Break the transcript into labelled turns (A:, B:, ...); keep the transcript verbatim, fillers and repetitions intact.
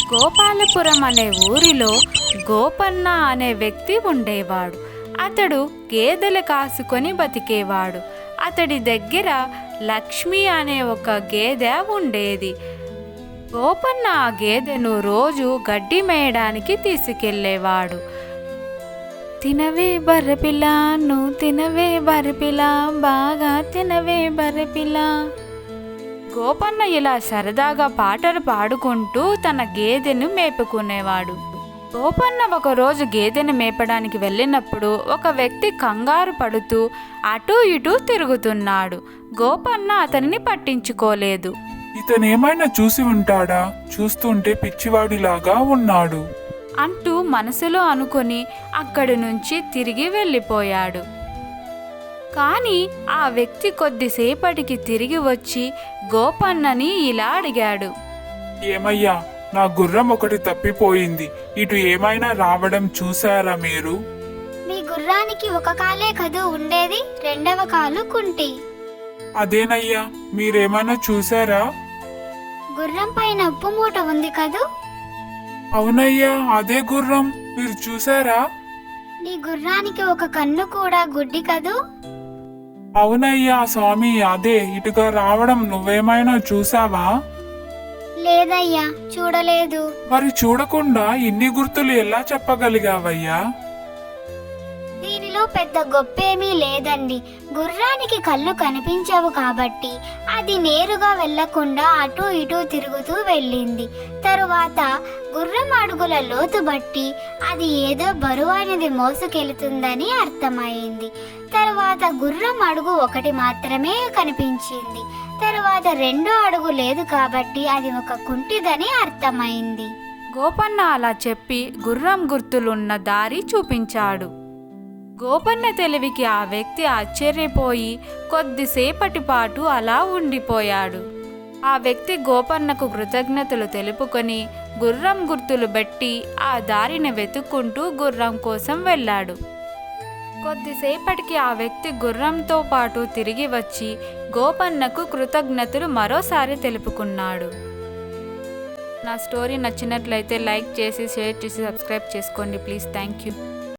A: గోపాలపురం అనే ఊరిలో గోపన్న అనే వ్యక్తి ఉండేవాడు. అతడు గేదెలు కాసుకొని బతికేవాడు. అతడి దగ్గర లక్ష్మి అనే ఒక గేదె ఉండేది. గోపన్న ఆ గేదెను రోజు గడ్డి మేయడానికి తీసుకెళ్ళేవాడు. తినవే బర్రెపిల్ల, నువ్వు తినవే బర్రెపిల్ల, బాగా తినవే బర్రెపిల్ల. గోపన్న ఇలా సరదాగా పాటలు పాడుకుంటూ తన గేదెను మేపుకునేవాడు. గోపన్న ఒకరోజు గేదెను మేపడానికి వెళ్ళినప్పుడు ఒక వ్యక్తి కంగారు పడుతూ అటూ ఇటూ తిరుగుతున్నాడు. గోపన్న అతనిని పట్టించుకోలేదు.
B: ఇతనేమైనా చూసి ఉంటాడా? చూస్తుంటే పిచ్చివాడిలాగా ఉన్నాడు
A: అంటూ మనసులో అనుకొని అక్కడి నుంచి తిరిగి వెళ్ళిపోయాడు. కానీ ఆ వ్యక్తి కొద్దిసేపటికి తిరిగి వచ్చి గోపన్నని ఇలా అడిగాడు.
B: ఏమయ్యా, నా గుర్రం ఒకటి తప్పిపోయింది. ఇటు ఏమైనా రావడం చూసారా మీరు?
C: మీ గుర్రానికి ఒక కాలే కదూ ఉండేది, రెండవ కాలు కుంటి.
B: అదేనయ్యా, మీరేమైనా చూసారా?
C: గుర్రం పైన ఉప్పు మూట ఉంది కదూ.
B: అవునయ్యా, అదే గుర్రం. మీరు చూసారా?
C: నీ గుర్రానికి ఒక కన్ను కూడా గుడ్డి కదూ.
B: అవునయ్యా స్వామి, అదే. ఇటుగా రావడం నువ్వేమైనా చూసావా?
C: లేదయ్యా, చూడలేదు.
B: మరి చూడకుండా ఇన్ని గుర్తులు ఎలా చెప్పగలిగావయ్యా?
C: దీనిలో పెద్ద గొప్పేమీ లేదండి. గుర్రానికి కళ్ళు కనిపించవు కాబట్టి అది నేరుగా వెళ్లకుండా అటూ ఇటూ తిరుగుతూ వెళ్ళింది. తరువాత గుర్రం అడుగుల లోతు బట్టి అది ఏదో బరువైనది మోసుకెళ్తుందని అర్థమైంది. తరువాత గుర్రం అడుగు ఒకటి మాత్రమే కనిపించింది. తరువాత రెండో అడుగు లేదు కాబట్టి అది ఒక కుంటిదని అర్థమైంది.
A: గోపన్న అలా చెప్పి గుర్రం గుర్తులున్న దారి చూపించాడు. గోపన్న తెలివికి ఆ వ్యక్తి ఆశ్చర్యపోయి కొద్దిసేపటి పాటు అలా ఉండిపోయాడు. ఆ వ్యక్తి గోపన్నకు కృతజ్ఞతలు తెలుపుకొని గుర్రం గుర్తులు బట్టి ఆ దారిని వెతుక్కుంటూ గుర్రం కోసం వెళ్ళాడు. కొద్దిసేపటికి ఆ వ్యక్తి గుర్రంతో పాటు తిరిగి వచ్చి గోపన్నకు కృతజ్ఞతలు మరోసారి తెలుపుకున్నాడు. నా స్టోరీ నచ్చినట్లయితే లైక్ చేసి షేర్ చేసి సబ్స్క్రైబ్ చేసుకోండి ప్లీజ్. Thank you.